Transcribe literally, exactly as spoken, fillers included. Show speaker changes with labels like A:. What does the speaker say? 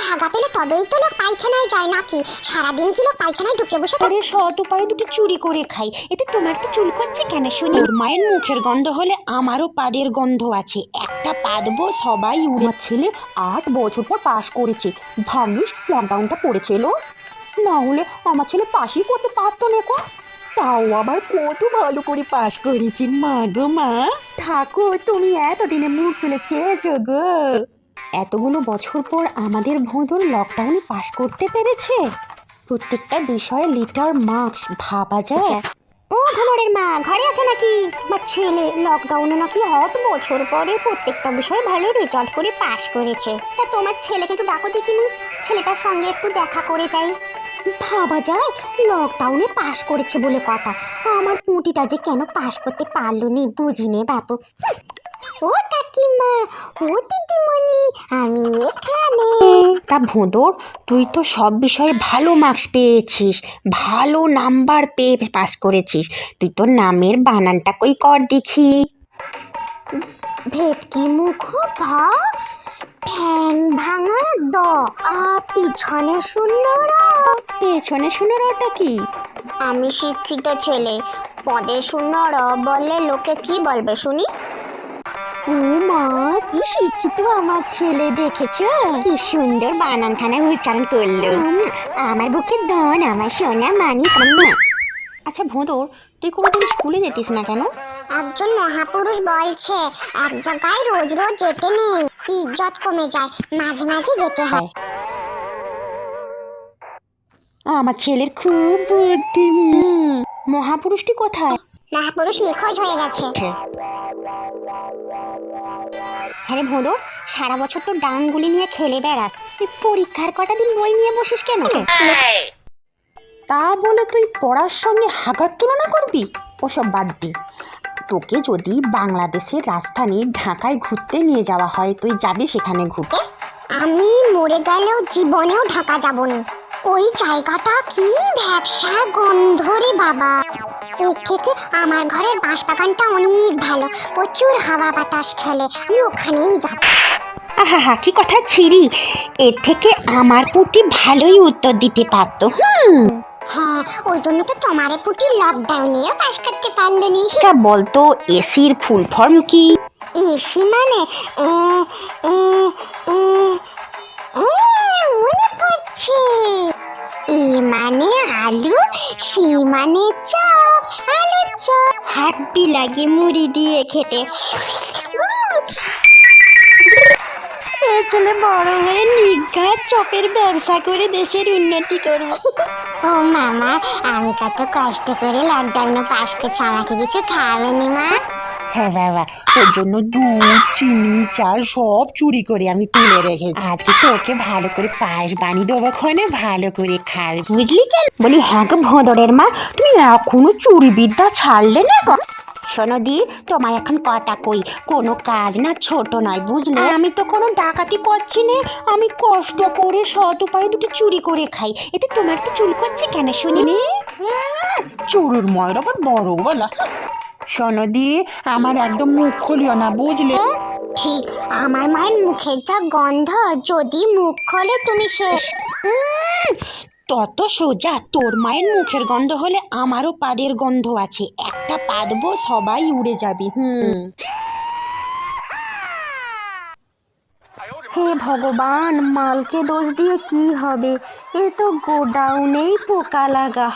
A: ভাগা পেলে তবেই তো লোক পায়খানায় যায় নাকি? সারাদিন কি লোক পায়খানায় ঢুকে বসে
B: আরে সৎ উপায়ে দুটো চুরি করে খাই, এতে তোমার তো চুল করছে কেন শুনি? ওর মায়ের মুখের গন্ধ হলে আমারও পাদের গন্ধ আছে, একটা পাদবো সবাই উড়ে। আমার ছেলে আট বছর পর পাশ করেছে, ভাগ্যিস লকডাউনটা পড়েছিল, না হলে আমার ছেলে পাশই করতে পারতো না। তাও আবার কত ভালো করে পাশ করেছি। মা গো মা, থাকো তুমি এতদিনে মুখ তুলে চেয়েছো গো। এতগুলো বছর পর আমাদের ভোঁদর লকডাউনে পাশ করতে পেরেছে। প্রত্যেকটা বিষয়ে লিটার মার্কস, ভাবা যায়।
A: ও ঘুমরের মা, ঘরে আছো নাকি? আমার ছেলে লকডাউনে নাকি আট বছর পরে প্রত্যেকটা বিষয়ে ভালো রেজাল্ট করে পাশ করেছে। তা তোমার ছেলেকে একটু ডাকো দেখিনি, ছেলেটার সঙ্গে একটু দেখা করে যাই। ভাবা যায়, লকডাউনে পাশ করেছে বলে কথা, আমার পুঁটিটা যে কেন পাশ করতে পারলো নি বুঝিনে বাপু। ও কাকিমা, ও দিদিমণি, আমি এখানে।
B: তা ভোঁদর, তুই তো সব বিষয়ে ভালো মার্কস পেয়েছিস, ভালো নাম্বার পেয়ে পাস করেছিস, তুই তোর নামের বানানটা কই কর দেখি।
A: ভেটকি মুখ ভা, ঠ্যাং ভাঙা দ, আ পিছনে শূন্য র।
B: পেছনে শুনে ওটা কি?
A: আমি শিক্ষিত ছেলে, পদে শূন্য র বললে লোকে কি বলবে শুনি? ও মা, কি শিক্ষিত আমার ছেলে, দেখেছো কি সুন্দর বানান খানা উচ্চারণ করলো। আমার বুকে ধন, আমার সোনা মানি।
B: আচ্ছা ভোঁদর, তুই কোনোদিন স্কুলে যেতিস না কেন?
A: একজন মহাপুরুষ বলছে এক জায়গায় রোজ রোজ যেতে নেই, ইজ্জত কমে যায়, মাঝে মাঝে যেতে হয়।
B: আমার ছেলের খুব বুদ্ধি। মহাপুরুষটি কোথায়?
A: মহাপুরুষ নিখোঁজ হয়ে গেছে।
B: হ্যাঁ ভোঁদর, সারা বছর তো ডাংগুলি নিয়ে খেলে বেড়াস, তুই পরীক্ষার কটা দিন বই নিয়ে বসিস কেন? তা বলে তুই পড়ার সঙ্গে হাগার তুলনা করবি? ওসব বাদ দে। তোকে যদি বাংলাদেশের রাজধানী ঢাকায় ঘুরতে নিয়ে যাওয়া হয়, তুই যাবি সেখানে ঘুরতে?
A: আমি মরে গেলেও জীবনেও ঢাকা যাব না। ওই জায়গাটা কি ভ্যাবসা গন্ধ রে বাবা। এর থেকে আমার ঘরের বাঁশবাগানটা অনেক ভালো, প্রচুর হাওয়া বাতাস খেলে, আমি ওখানেই যাব।
B: আহা হা, কি কথা ছিরি, এর থেকে আমার পুটি ভালোই উত্তর দিতে পারতো। হুম,
A: হ্যাঁ, ওই জন্য তো তোমারে পুটি লকডাউনেও পাস করতে পারলো নি।
B: তা বলতো এসির ফুল ফর্ম কি?
A: এসি মানে মনে পড়ছে, এ মানে আলু, সি মানে চপ, আলু চপ, হ্যাপি লাগে মুড়ি দিয়ে খেতে।
B: এ ছেলে বড় হয়ে নিঘাত চপের ব্যবসা করে দেশের উন্নতি করবো।
A: ও মামা, আমি কত কষ্ট করে লকডাউনে পাস করছি, আমাকে কিছু খাওয়াবেনি মা?
B: হ্যাঁ বাবা, তোর জন্য দুধ, চিনি, চাল সব চুরি করে আমি তুলে রেখেছি। আজকে তোকে ভালো করে পায়েস বানিয়ে দেবো, ক্ষণে ভালো করে খাবে, বুঝলি? কেন বলি, হ্যাঁ গো ভোঁদরের মা, তুমি এখনো চুরি বিদ্যা ছাড়লে না গো? শোনো দি, তোমায় এখন কথা কই, কোনো কাজ না ছোট নয়, বুঝলে? আমি তো কোনো ডাকাতি করছি না, আমি কষ্ট করে সৎ উপায়ে দুটো চুরি করে খাই, এতে তোমার তো চুল করছে কেন শুনিনি? চোরের মায়ের আবার বড় বলা। শোনো দি, আমার একদম মুখ খুলিও না, বুঝলে?
A: ঠিক, আমার মায়ের মুখের যা গন্ধ, যদি মুখ খোলে তুমি শেষ।
B: তত সোজা, তোর মায়ের মুখের গন্ধ হলে আমারও পাদের গন্ধ আছে, একটা পাদবো সবাই উড়ে যাবি। হুম। হে ভগবান, মালকে দোষ দিয়ে কি হবে, এ তো গোডাউনেই পোকা লাগা।